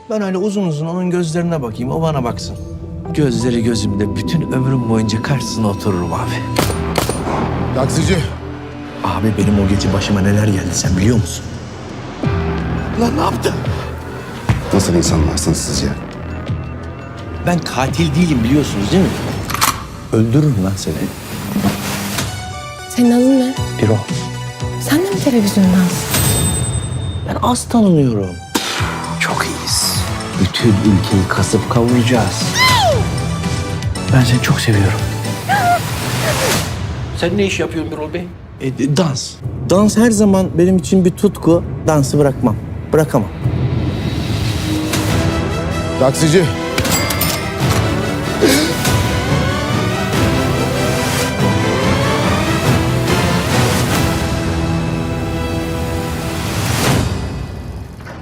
Ben öyle uzun uzun onun gözlerine bakayım, o bana baksın. Gözleri gözümde, bütün ömrüm boyunca karşısına otururum abi. Taksici. Abi benim o gece başıma neler geldi sen biliyor musun? Lan ne yaptın? Nasıl insanlarsınız siz ya? Ben katil değilim biliyorsunuz değil mi? Öldürürüm lan seni. Senin adın ne? Bir o. Sen de mi televizyondan? Ben az tanınıyorum. Çok iyiyiz. Bütün ülkeyi kasıp kavuracağız. Ben seni çok seviyorum. Sen ne iş yapıyorsun Birol Bey? Dans. Dans her zaman benim için bir tutku. Dansı bırakmam. Bırakamam. Taksici.